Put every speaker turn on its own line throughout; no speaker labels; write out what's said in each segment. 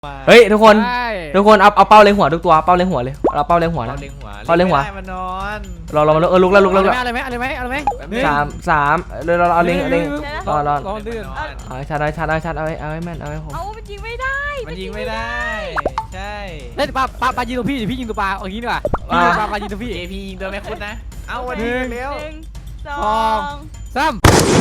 เฮ้ยทุกคนเอาเป้าเล็งหัวทุกตัวเป้าเล็งหัวเลยเราเป้าเล็งหัวนะเป้าเล็งหัว
มานอน
เรามาลุกแล้ว
อะไรไหม
สามเราเอาเล็งรอ
ลื่น
เอาชัดเอาให้แม่นเอาให้ผม
มันยิงไม่ได้
ใช่
เล่นปลายิงตัวพี่พี่ยิงตัวปลาเอางี้ดีกว่าปลายิงตัวพี่
พี่ยิงตัวแม่คุณนะเอาวันนี้เร็ว
1 2 3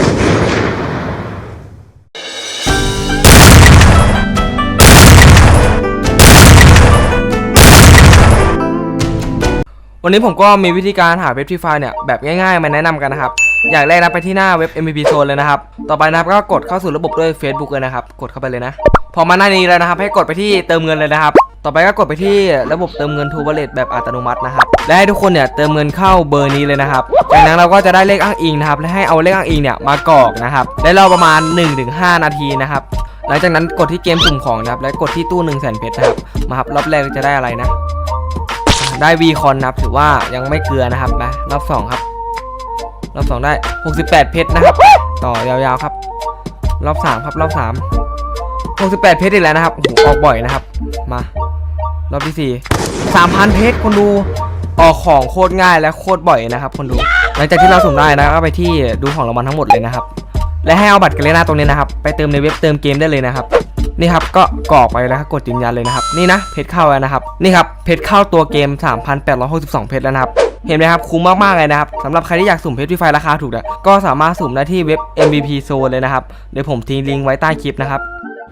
วันนี้ผมก็มีวิธีการหาเว็บฟรีไฟเนี่ยแบบง่ายๆมาแนะนำกันนะครับอย่างแรกนะไปที่หน้าเว็บ MVP Zone เลยนะครับต่อไปนะครับก็กดเข้าสู่ระบบด้วย Facebook เลยนะครับกดเข้าไปเลยนะพอมาหน้านี้แล้วนะครับให้กดไปที่เติมเงินเลยนะครับต่อไปก็กดไปที่ระบบเติมเงิน True Wallet แบบอัตโนมัตินะครับและให้ทุกคนเนี่ยเติมเงินเข้าเบอร์นี้เลยนะครับจากนั้นเราก็จะได้เลขอ้างอิงนะครับและให้เอาเลขอ้างอิงเนี่ยมากรอกนะครับได้รอประมาณ 1-5 นาทีนะครับหลังจากนั้นกดที่เกมสุ่มของนะครับและกดที่ตู้ 100,000 เพชรนะครับมาครับรอบแรกจะได้อะไรนะได้วีคอนนะครับถือว่ายังไม่เกลือนะครับมารอบ2ครับรอบ2ได้68เพชรนะครับต่อยาวๆครับรอบ3ครับรอบ3 68เพชรอีกแล้วนะครับโอ้โหออกบ่อยนะครับมารอบที่4 3,000เพชรคนดูออกของโคตรง่ายและโคตรบ่อยนะครับคนดูหลังจากที่เราสุ่มได้นะก็ไปที่ดูของรางวัลทั้งหมดเลยนะครับและให้เอาบัตรกาเลน่าตรงนี้นะครับไปเติมในเว็บเติมเกมได้เลยนะครับนี่ครับก็กรอกไปแล้วกดยืนยันเลยนะครับนี่นะเพชรเข้าแล้วนะครับนี่ครับเพชรเข้าตัวเกม 3,862 เพชรแล้วนะครับเห็นไหมครับคุ้มมากๆเลยนะครับสำหรับใครที่อยากสุ่มเพชรฟรีไฟราคาถูกเนี่ยก็สามารถสุ่มได้ที่เว็บ MVP Zone เลยนะครับเดี๋ยวผมทิ้งลิงก์ไว้ใต้คลิปนะครับ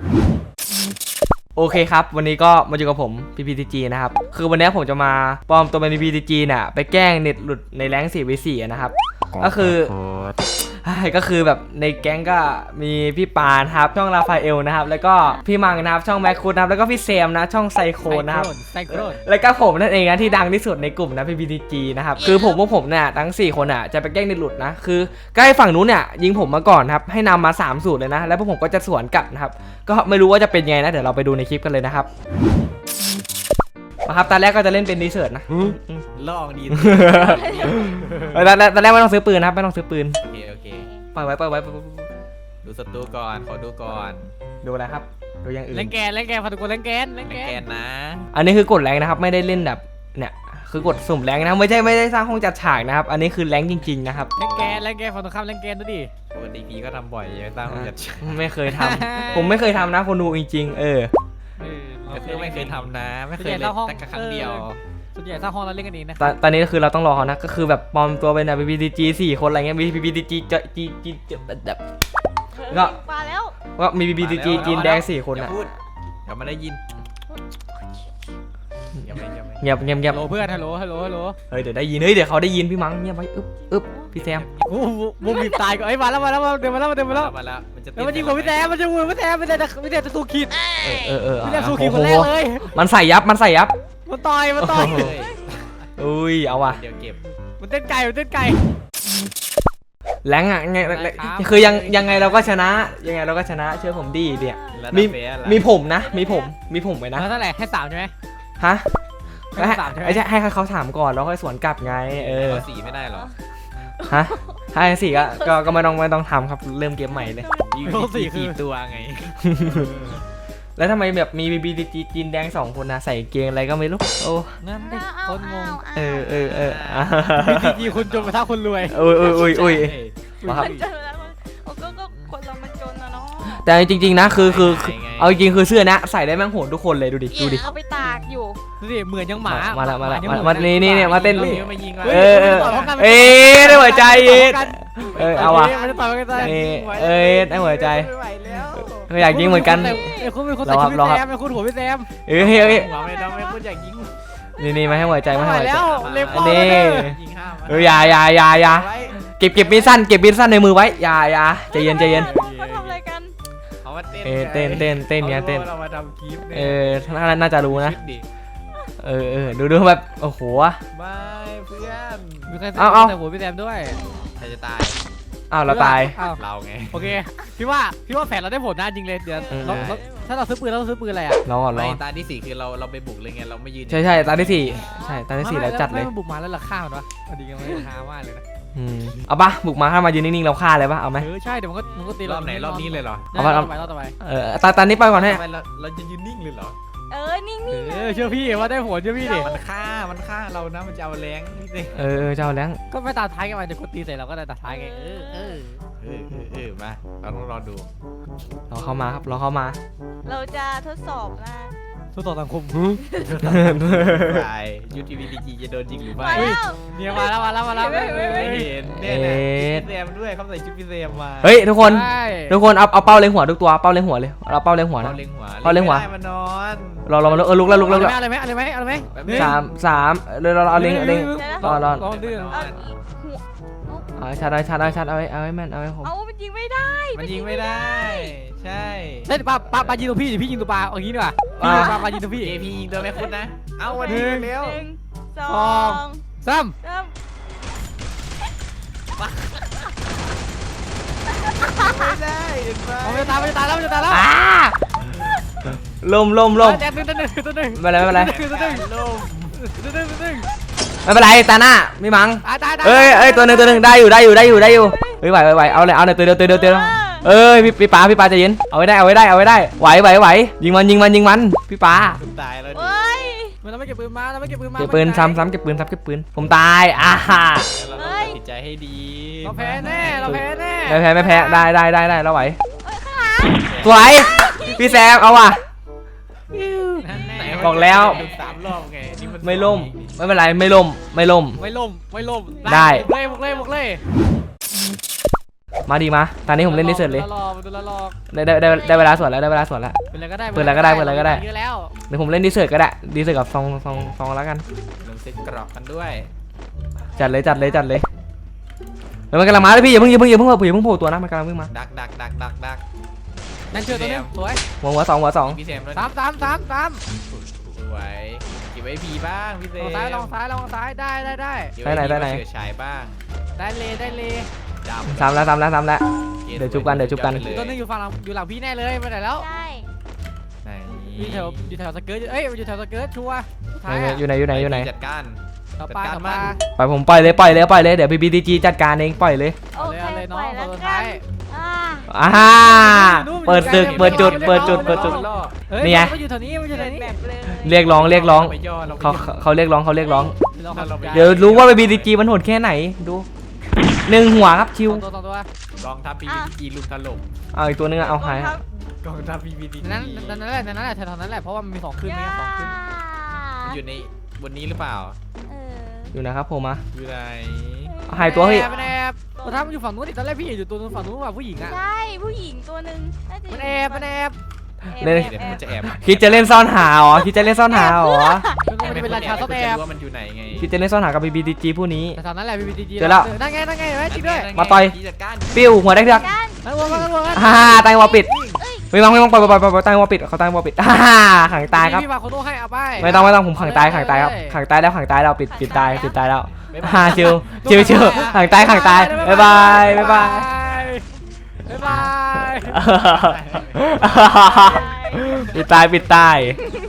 โอเคครับวันนี้ก็มาอยู่กับผม PPTG นะครับคือวันนี้ผมจะมาปลอมตัวเป็น PPTG เนี่ยไปแกล้งเน็ตหลุดในแรงค์ 4v4 นะครับก็คือแบบในแก๊งก็มีพี่ปานครับช่องราฟาเอลนะครับแล้วก็พี่มังนะครับช่องแม็กคูดนะครับแล้วก็พี่เซมนะช่องไซโคนะครับแล้วก็ผมนั่นเองนะที่ดังที่สุดในกลุ่มนะ PPTG นะครับคือพวกผมเนี่ยทั้ง4คนอ่ะจะไปแกล้งเน็ตหลุดนะคือใกล้ฝั่งนู้นเนี่ยยิงผมมาก่อนครับให้นำมา3สูตรเลยนะแล้วพวกผมก็จะสวนกลับนะครับก็ไม่รู้ว่าจะเป็นไงนะเดี๋ยวเราไปดูในคลิปกันเลยนะครับครับตอนแรกก็จะเล่นเป็นดีเซิร์ตนะ
ลองดี
ตอนแรกไม่ต้องซื้อปืนครับไม่ต้องซื้อปืน
โอเค
ปล่อยไว้
ดูศัตรูก่อนขอดูก่อน
ดูอะไรครับดูอย่างอื่น
เล่นแกนพาทุกคนเล่นแกน
นะ
อันนี้คือกดแรงนะครับไม่ได้เล่นแบบเนี่ยคือกดสุ่มแรงนะไม่ได้สร้างห้องจัดฉากนะครับอันนี้คือแรงจริงๆนะครับ
เล่นแกนฝั่งตรงข้ามเล่นแกนดูดิ
ปกติพี่ก็ทำบ่อยยังสร้างห้องจัดฉาก
ไม่เคยทำผมไม่เคยทำนะคนดูจริงๆ
คือไม่เคยทำนะไม่เคยเล่นแต่ครั้งเดียว
ส่วนใหญ่สร้างห้องเราเล่นกันเองนะ
ตอนนี้คือเราต้องรอเขานะก็คือแบบปลอมตัวเป็นแบบ PPTG 4 คนอะไรเงี้ยมี PPTG แบบก็มี PPTG จีนแดง4 คนอ่ะ
อย่ามาได้ยิน
เงียบ
ฮัลโหลเพื่อนฮัลโหล
เฮ้ยเดี๋ยวได้ยินเดี๋ยวเขาได้ยินพี่มังเงียบไว้อึ๊บพี่แซม
มุมบีบตายก่อนมาแล้วเดี๋ยวมาแล้วมันยิงผมพี่แซมมันจะวนพี่แซมจะสู้ขีดพี่แซมสู้ขีดคนแรกเลย
มันใส่ยับ
มันต่อย
อุ้ยเอาว่ะ
เดี๋ยวเก็บมันเต้นไก่
แรงอ่ะไงคือยังไงเราก็ชนะเชื่อผมดีเนี่ยมีผมนะมีผมไว้นะ
เท่าไหร่ให้3ใช่ไหม
ฮะให้เขาถามก่อนแล้วค่อยสวนกลับไง
4ไม่ได้หรอ
ฮะให้4ก็ไม่ต้องทำครับเริ่มเกมใหม่เลย
4ตัวไง
แล้วทำไมแบบมี BBTG จีนแดง2 คนนะใส่เกงอะไรก็ไม่รู้โอ้
นั่นดิคนงงBBTG คุณจนกระทั่งคนรวย
อุ้ย
มาครับก็คนเรามันจนนะเนาะ
แต่จริงๆนะคือเอาจริงคือเสื้อนะใส่ได้แม่งโหดทุกคนเลยดูดิ
เอาไปตากอยู่
ดูดิเหมือนยังหมา
มาแล้วนี่มาเต้นได้หัวใจเอาว่ะได้หัวใจอยากยิงเหมือนกัน
รอครับคุณหัวพี่แซม
ไม่คุณอยากยิง
นี่มาให้หัวใจนี่
อย่า
เก็บมีดสั้นในมือไว้อย่าใจเย็น
เขาทำอะไรกัน
เขามา
เต้นเนี่ยเต้น
เรามาทำคลิป
น่าจะรู้นะดูแบบโอ้โห
ไม่เพื่อน
มีใครแต่หัวพี่แซมด้วย
ใครจะตาย
เราตาย
เราไง
โอเคพี่ว่าแผนเราได้ผลนะจริงเลยเดี๋ยวถ้าเราซื้อปืนเราซื้อปืนอะไรอ่ะ
ไม่
ตาที่4คือเราไปบุกเลยไงเราไม่ยืน
ใช่ตาที่4แล้วจัดเลย
ไม่บุกมาแล้วราคามันวะดีกันไหมราคามากเลยนะ
เอาปะบุกมาถ้ามายืนนิ่งๆเราฆ่าเลยปะเอาไหม
ใช่เดี๋ยวมันก็ตี
รอบไหนรอบนี้เลยเหรอ
เอาไปรอบต่อไป
ตอนนี้ไปก่อนให้
ทำไมเราจะยืนนิ่งเลยเหรอ
นิ่ง
เชื่อพี่ว่าได้ผลเชื่อพี่ดิ
มันฆ่าเรานะมันจะเอาแรงนี่สิ
เจ้าแรง
ก็ไม่ตาท้ายกันไปเดี๋ยวกดตีใส่เราก็ได้ตาท้ายไง
มาเราต้องรอดู
รอเข้ามาครับรอเข้ามา
ๆเราจะทดสอบนะ
ทดสอบสังคม
ไปยูทีวีดีจีจะโดนจริงหรือไม่
มาแล้ว
เนี่ยมาแล้ว
ไม่เห็นเนี่ยนะพี่แซมด้วยเขาใส่ชุดพี่แซมมา
เฮ้ยทุกคนเอาเป้าเล็งหัวทุกตัวเป้าเล็งหัวเลยเราเป้าเล็งหัวนะ
เล็งหัว
มานอน
เรามาลุกแล้ว
อะไรไหม
สามเลยเราเอาเล็งรอ
ลองดื้อ
เอาอีกหัว
ชัดเอาให้แม่นเอาให้ผม
เอามันยิงไม่ได้
มันยิงไม่ได้ใช่
เฮ้ยปลายิงตัวพี่พี่ยิงตัวปลาอย่างนี้ดีกว่าปลายิงตัวพี่
เอพียิงตัวไม่คุ้นนะเอาวันนี้เร็ว
1 2
ซ้ำ
ไม่ได้เห็นไหม
มันจะตายแล้ว
ลม
แจ็คตัวหนึ่ง
ไม่เป็นไร
ลม
ไม่เป็นไรตาหน้าไม่มั้ง
ตาย
เอ้ยตัวหนึ่งได้อยู่เฮ้ยไหวเอาเลยเอาหน่อยตัวเดียวเอ้ยพี่ปาใจเย็นเอาไว้ได้ไหวยิงมันพี่ปา
ตายแล้วดิ
เฮ้ย
มันไม่เก็บปืนมาเก็บปืน
เก็บปืนซ้ำเก็บปืนผมตาย
เราต้องตัดสินใจให้ดี
เราแพ้แน่
ไม่แพ้ได้เราไหวสวยพี่แซมเอาว่ะบอกแล้ว
3 รอบไงนี่มัน
ไม่ล่มไม่เป็นไรไม่ล่ม
ได้
มาดีมาตอนนี้ผมเล่นดิเซอร์เลย
รอ
ได้เวลาสวดแล้ว
ปืนอะไรก็ได้เยอะแล้ว
เดี๋ยวผมเล่นดิเซอร์ก็ได้ดิเซอร์กับซองแล้วกัน
ลงเซ็ตกรอบกันด้วย
จัดเลยมันกำลังมาเลยพี่อย่าเพิ่งโผล่ตัวนะมันกำลังวิ่งมา
ดัก
นั่นเชื่อตัวนึงสวย
หัวสอง
พี่แซมด้วย
3
สวยเก็บไว้พีบ้างพี่แซม
ลองซ้ายได้
ไหน
เสือฉายบ้าง
ได้เลย
ซ้ำแล้วเดี๋ยวจุบกัน
ตัวนึงอยู่ฝั่งอยู่หลังพี่แน่เลยไปไหนแล้ว
ได้
ไหน
อยู่แถวสเกิร์ตอยู่แถวสเกิร์ตชัวร์
อยู่ไหน
จัดการ
ต่อปลา
ปล่อยผมปล่อยเลยเดี๋ยว BBTG จัดการเองปล่อยเลย
โอเค
เลยน้
ป
อ
ล่อง ยแล้ว
ตัว
กั
ท้าน ย
เปิดศึกเปิดจุด นี่ไง
มันอยู่แถวนี้
แบบเลย
เรียกร้องเขาเรียกร้องเดี๋ยวรู้ว่า BBTG มันโหดแค่ไหนดู1 หัวครับชิว
ตัว
กองทัพ PVD ลุมถล่ม
เอาอีกตัวนึงเอาหาย
กองทัพ PVD
นั่นแหละแถวนั้นแหละเพราะว่ามันมี2คืนมี2คืน
มันอยู่ในบนนี้หรือเปล่า
อยู่นะครับผมมา
อยู่ไหน
หายตัวเฮ้ย
มันแอบตัวท้ามันอยู่ฝั่งนู้นตอนแรกพี่อยู่ตัวนู้นฝั่งนู้นว่าผู้หญิงอ่ะ
ใช่ผู้หญิงตัวหนึ่ง
มันแอบ
เดี๋ยวมันจะแอบ
คิดจะเล่นซ่อนหาอ๋อคิดจะเล่นซ่อนหาอ๋อ
มันเป็นราชาซ่อนแอบ
ว่ามันอยู่ไหนไง
คิดจะเล่นซ่อนหากับ BBTG ผู้นี้
แต่ตอนนั้นแหละ BBTG
เจอแล้ว
นั่นไงจริงด้วย
มาต่อย
จัดการ
ปิ้วหัวได้เถือก
นั่นวัวกัน
ตายวอปิดไม่ต้องปล่อยตายวอปิดเขาตายวอปิดขังตายครับ
พี่มาโคโน่ให้เอาไป
ไม่ต้องผมขังตายครับขังตายแล้วปิดตายแล้วชิวขังตายบ๊ายบาย ปิดตาย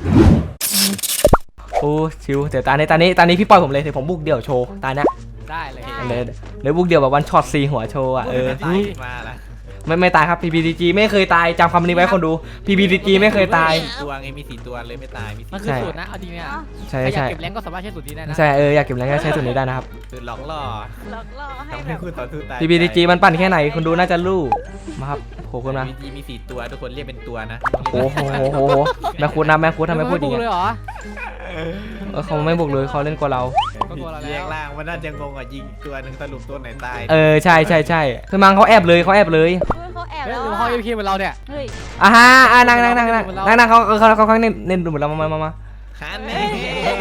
โอ้ชิวเดี๋ยวตานี้พี่ปล่อยผมเลยเดี๋ยวผมบุกเดี่ยวโชว์ตาเนี้ย
ได้เลย
เลยบุกเดี่ยวแบบวันช็อต4 หัวโชว์อ่ะ
ตายมาละ
ไม่ตายครับ PBTG ไม่เคยตายจำคำนี้ไว้คนดู PBTG ไม่เคยตาย
ตัวไงมี4 ตัวเลยไม่ตายมี
มันคือสูตรนะเอาจริงเนี่ย
ใช่
อยากเก็บแรงก็สามารถใช้สูตรนี้ได้นะ
ใช่อยากเก็บแรงก็ใช้สูตรนี้ได้นะครับ
คือหลอกล่อ
หลอกล่อให้
ทำ
แบ
ให้
บ
คุณต่อสู้ตาย
PBTG มันปั่นแค่ไหนคุณดูน่าจะรู้มาครับโผล่ขึ้นมา
PBTG มี4 ตัวทุกคนเรียกเป็นตัวนะ
โอ้โหแม่คุดทำไไมพูดอย่าง
เล
เงี้ย
ยเหรอ
เขาไม่บุกเลยเขาเล่นกว่าเรา
เรียกล่างมันน่าจะงงอ่ะยิงตัวหนึ่งสรุปตัวไหนตาย
ใช่คือมังเขาแอบเลย
เขาแอบ
เฮ้ย
แล้ว
หรือเขาเพียเหมือนเราเนี่ย
เฮ้ย
นั่งเขาเน้นดูเหมือนเรามา
ฮันนี่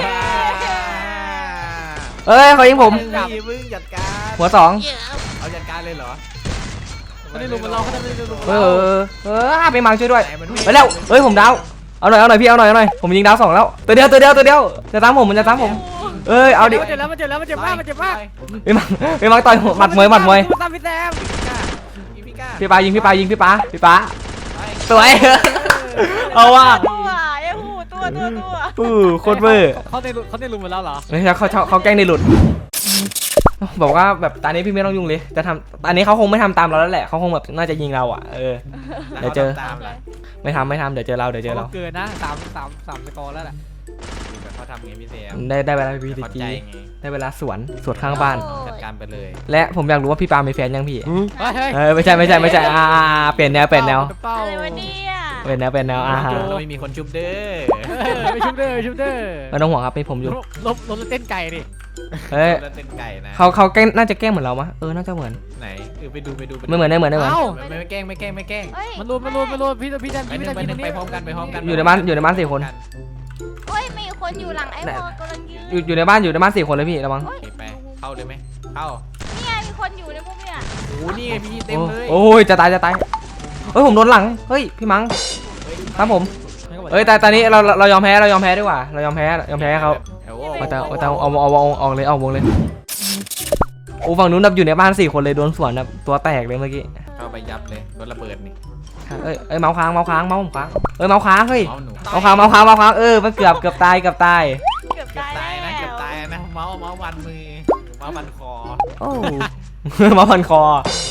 เขายิงผม
มึงจัดการ
หัว2
เอาจัดการเลยเหรอ
เขาได้ลุมเหมือนเราเขาได้ลุมเหมือน
ไปมังช่วยด้วยไปแล้วผมดาวเอาหน่อยพี่เอาหน่อยผมยิงดาว2แล้วตัวเดียวจะตามผมมันจะตามผมเอาดิ
มันเจ็บแล้วมันเจ็บมาก
ไปมังต่อยหมัดมวย
ตามพี่แซม
พี่ปายิงพี่ปาสวยเอาว่ะ
ตัวยังหูตัว
โคตรเวอร์
เขาได้ลุมเหมือนเราเหรอ
ไม่ใช่เขาแกล้งในหลุดบอกว่าแบบตอนนี้พี่ไม่ต้องยุ่งเลยจะทำอันนี้เขาคงไม่ทำตามเราแล้วแหละเขาคงแบบน่าจะยิงเราอ่ะเดี๋ยวเจอ
ตามล่ะ
ไม่ทำเดี๋ยวเจอเรา
เกินนะ3สกอร์แล้วแหละ
เขาทำไงพี่เซม
ได้เวลาพี
เข้า
จี
ใจไง
ได้เวลาสวนข้างบ้าน
จัดการไปเลย
และผมอยากรู้ว่าพี่ปามีแฟนยังพี่
เฮ้ย
ไม่ใช่เปลี่ยนแนว
เป้า
อะไรวะเนี่ย
เป็นแนวฮะ
ไม่มีคนชุบเด้อ
ไปชุบเด้อ
ไม่ต้องห่วงครับมีผมอยู่
ลบเต้นไก่ดิ
เฮ้ย
แล้วเต้นไก่นะ
เขาแกล้งน่าจะแกล้งเหมือนเรามะน่าจะเหมือน
ไหนไปดู
ไม่เหมือน
เอ้า
ไม่แกล้ง
เฮ้ย
มันรวมพี่ดัน
ไปพร้อมกัน
อยู่ในบ้าน4 คน
เฮ้ยมีคนอยู่หลังไอ้วอลกำลังยืน
อยู่ในบ้าน4 คนเลยพี่ระวัง
ไปเข้าเลยไหมเข้า
นี่ไงมีคนอยู่ในพวกเนี่ย
โอ้นี่ไงพี่เต็มเลย
โอ้ยจะตายเฮ้ยผมโดนหลังเฮ้ยพี่มังครับผมแต่ตอนนี้เรายอมแพ้ดีกว่าเรายอมแพ้ให้เขาเอาเลยเอาวงเลยโอ้ฝั่งนู้นนับอยู่ในบ้าน4 คนเลยโดนสวนแบบตัวแตกเลยเมื่อกี้
เข้าไปยับเลยรถระเบิดนี่
เอ้ยเมาส์ค้างเมาส์ผมค้างเมาส์ค้างเฮ้ย
เมาหนู
เมาส์ค้างมันเกือบตาย
เกือบ
ตา
ตาย
ย
แล้ว
นะเกือบตายนะเมาวันมือเมาวันคอ
โอ้เมาส์พันคอ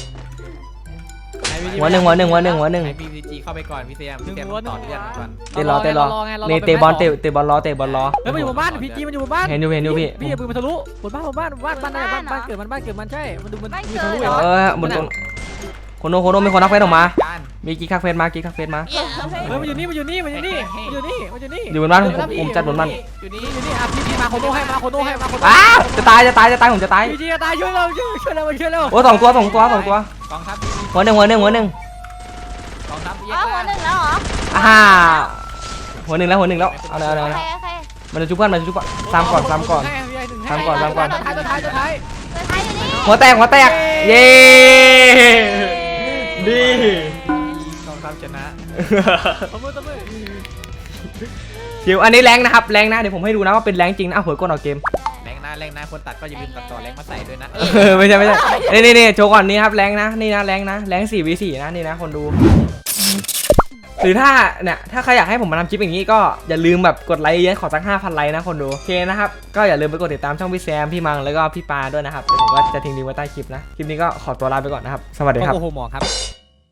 หัวหนึ่ง
ให้พี่พีจีเข้าไปก่อนพี่เซมต่อเรื่องก่อน
เตะรอนี่เตะบอลรอ
เฮ้ยมันอยู่บนบ้านพีจีมันอยู่บนบ้าน
เห็นอยู่พี่
พี่อย่าปืนมันทะลุบนบ้านเกิดมันใช่มันดูมันมีทะลุ
บนตรงโคโนมีคนทักเฟซออกมา
การ
มีกิ๊กทักเฟซมา
เฮ้ยมันอยู่นี่
อยู่บนบ้านผมจัดบนบ้าน
อยู่นี่
อ่ะพี่มาโคโน่ให้
จะตายผมจะตาย
พีจีจะตายช่วยเรา
โอ้2 ตัว
กองทัพ
หัวหนึ่ง
กองทัพ
อ๋อหัวหนึ่งแล้วเหรอ
หัวหนึ่งแล้วเอาเลย
โอเค
มันจะชุบกันตามก่อน
ท้าย
ตัวท้ายอยู่นี่
หัวแตกเย้ดี
กองทัพชนะ
ตบมือ
ชิวอันนี้แรงนะครับแรงนะเดี๋ยวผมให้ดูนะว่าเป็นแรงจริงนะเผยก้นออกเกม
แรงนะคนตัดก็อย่าลืมตัดต่อแรงมาใส่ด้วยนะ
ไม่ใช่นี่โชว์ก่อนนี่ครับแรงนะนี่นะแรง4v4นะนี่นะคนดูหรือถ้าเนี่ยถ้าใครอยากให้ผมมาทำคลิปอย่างนี้ก็อย่าลืมแบบกดไลค์เยอะขอสัก 5,000 ไลค์นะคนดูโอเคนะครับก็อย่าลืมไปกดติดตามช่องพี่แซมพี่มังแล้วก็พี่ปาด้วยนะครับเดี๋ยวผมก็จะทิ้งลิงก์ไว้ใต้คลิปนะคลิปนี้ก็ขอตัวลาไปก่อนนะครับสวัสดีครับ
โอ้โหหมอครับ